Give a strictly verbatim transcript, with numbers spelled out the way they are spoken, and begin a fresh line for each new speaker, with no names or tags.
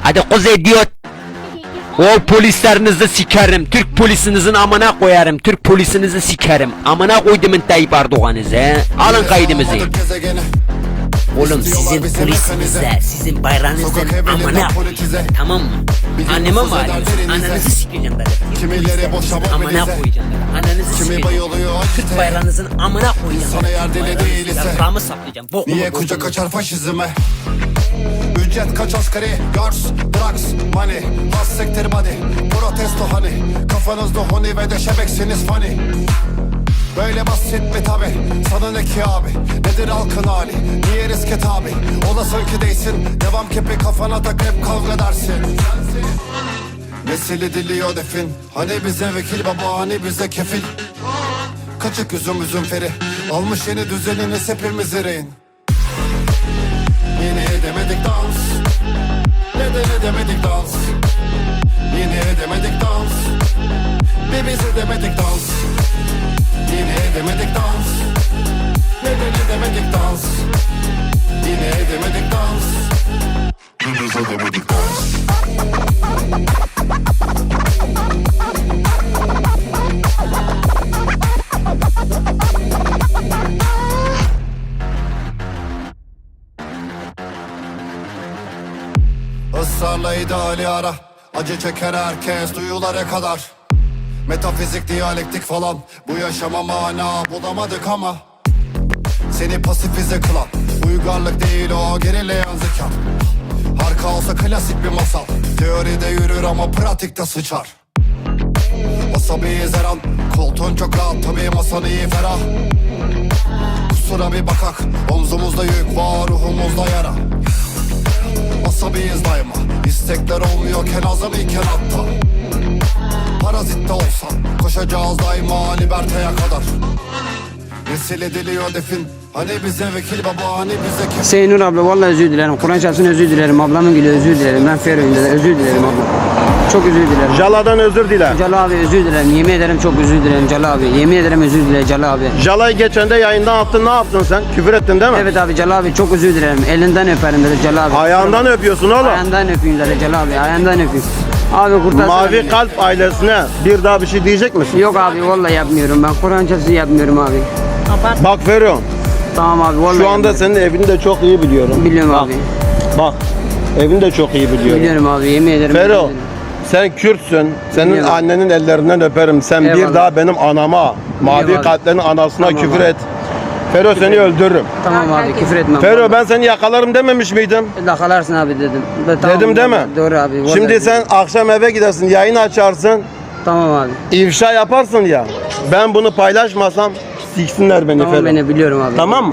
Hadi kuzey diyor. O polislerinizi sikerim. Türk polisinizin amına koyarım. Türk polisinizi sikerim. Amına koydumun Tayyip Erdoğan'ınızı he. Alın kaydımızı. Oğlum sizin polisinize, sizin bayrağınızın amına koyacağım. Tamam mı? Anneme mi arıyorsun? Ananızı sikeceğim ben.
Kimileri boşamak
amına koyacağım ben. Ananızı sikeceğim. Türk bayrağınızın amına koyacağım.
Sana yer deli değil ise
Yaprağımı saplayacağım.
niye kucak açar faşizme? Ücret kaç asgari? Girls, drugs, money, has sektir body. Protesto hani, kafanızda honi ve de şebeksiniz funny. Böyle basit mi tabi? Sana ne ki abi? Nedir halkın hali? Niye riske tabi? Olasın ki değilsin. Devam kepi kafana tak hep kavga dersin. Nesili diliyor defin. Hani bize vekil baba, hani bize kefil. Kaçık üzüm üzüm feri. Almış yeni düzeniniz hepimiz rehin. Yine edemedik dans. Neden edemedik dans? Yine edemedik dans. Bir biz edemedik dans. Yine edemedik dans. Neden edemedik dans? Yine edemedik dans. Bir biz edemedik dans. Israrla ideali ara. Acı çeker herkes duyulara kadar. Metafizik, diyalektik falan. Bu yaşama mana bulamadık ama seni pasifize kılan uygarlık değil o gerileyen zeka. Harika olsa klasik bir masal. Teoride yürür ama pratikte sıçar. Asabiyiz her an. Koltuğun çok rahat tabii masan iyi ferah. Kusura bir bakak. Omzumuzda yük var, ruhumuzda yara. Asabiyiz daima. İstekler olmuyorken azam iken hatta. Parazitte olsan koşacağız daima liberteye kadar. Nesil ediliyor defin. Hani bize vekil baba, hani bize kefil.
Seynur abla vallahi özür dilerim. Kur'an çarpsın özür dilerim. Ablamın gülü özür dilerim. Ben Ferro'yum dedi. Özür dilerim abla. Çok özür dilerim.
Jala'dan özür dile.
Cala abi özür dilerim. Yemin ederim çok özür dilerim Cala abi. Yemin ederim özür dilerim Cala abi.
Jala'yı geçen de yayından attın, ne yaptın sen? Küfür ettin değil mi?
Evet abi Cala abi çok özür dilerim. Elinden öperim dedi Cala abi.
Ayağından öpüyorsun oğlum.
Ayağından öpeyim dedi Cala abi. Ayağından öpeyim. Abi kurtarsana
Mavi
beni.
Kalp ailesine bir daha bir şey diyecek misin?
Yok abi vallahi yapmıyorum ben. Kur'an çarpsın yapmıyorum abi.
Bak Ferro,
Tamam abi vallahi
şu anda
yapmıyorum.
senin evini de çok iyi biliyorum.
Biliyorum
Bak,
abi.
Bak, evini de çok iyi biliyorum.
Biliyorum abi yemin ederim.
Ferro,
biliyorum.
sen Kürtsün. Senin
Biliyorum.
annenin ellerinden öperim. Sen bir
Eyvallah.
daha benim anama, Mavi
Biliyorum abi.
Kalplerin anasına
Tamam
küfür
abi.
et. Ferro seni öldürürüm.
Tamam abi küfür etmem.
Ferro ben seni yakalarım dememiş miydim?
Dakalarsın abi dedim. De, tamam,
Dedim değil mi?
Doğru abi. vallahi
Şimdi
dedim.
sen akşam eve gidersin, yayın açarsın,
Tamam abi.
ifşa yaparsın ya. Ben bunu paylaşmasam siksinler beni
Tamam
Ferro.
beni biliyorum abi.
Tamam mı?